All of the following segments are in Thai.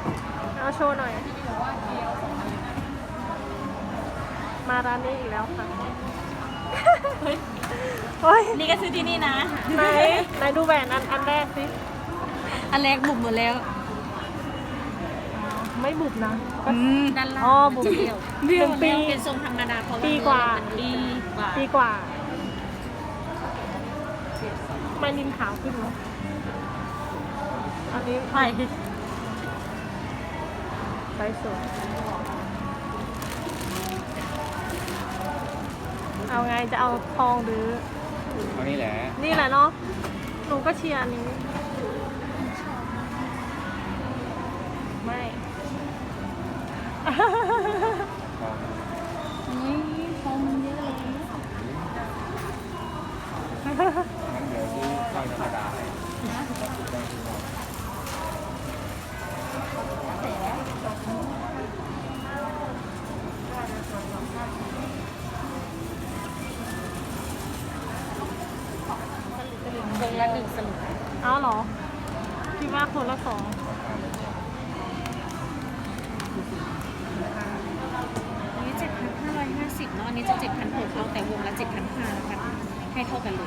เอาโชว์หน่อย มาร้านนี้อีกแล้วค่ะเฮ้ยนี่ก็ซื้อที่นี่นะไหนดูแหวนอันแรกสิอันแรกบุบหมดแล้วไม่บุบนะด้านล่างอ๋อบุบจะเดี่ยวหนึ่งปีเป็นทรงธรรมดาเพราะว่าปีกว่าปีกว่าไม่นินขาวขึ้นเนอะอันนี้ใช่ไปสวยเอาไงจะเอาทองหรือเอานี่แหละนี่แหละเนาะ หนูก็เชียร์อันนี้ ไม่นี่ทองมันเยอะเลยงั้นเดี๋ยวซื้อสร้อยธรรมดาให้วงละ1สลึงเอาเหรอ คิดว่าคนละสองอันนี้7,550เนาะอันนี้จะ7,600เอาแต่วงละ7,500นะคะให้เท่ากันเลย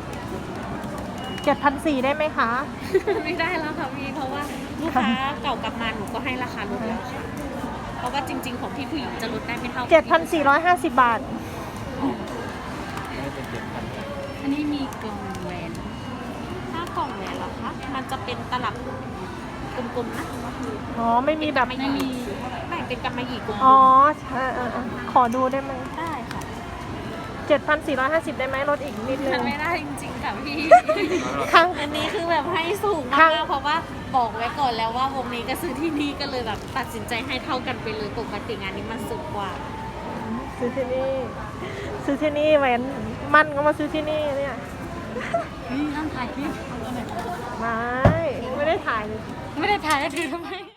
7,400ได้ไหมคะไม่ได้แล้วค่ะพี่เพราะว่าลูกค้าเก่ากลับมาหนูก็ให้ราคาลดแล้วค่ะเพราะว่าจริง ๆ ของพี่ผู้หญิงจะลดได้ไม่เท่ากัน 7,450 บาทไม่เป็น7,000 อันนี้มีกล่องแหวนถ้ากล่องแหวนเหรอคะมันจะเป็นตลับกลมๆนะอ๋อ ไม่มีแบบไม่มีแบ่งเป็นกำมะหยี่กลมๆอ๋อขอดูได้ไหมได้ค่ะ 7,450 ได้ไหมลดอีกนิดนึมังนไม่ได้จริงๆค่ะพี่ครั้งอันนี้คือแบบให้สูงครั้มาง กๆเพราะว่าบอกไว้ก่อนแล้วว่าวงนี้ก็ซื้อที่นี่ก็เลยแบบตัดสินใจให้เท่ากันไปเลยปกติงานนี้มันสูงกว่าซื้อที่นี่ ซื้อที่นี่แหวนมั่นก็มาซื้อที่นี่เนี่ยนี่ต้องถ่ายคลิปไม่ได้ถ่ายเลยไม่ได้ถ่ายแล้วถือทำไม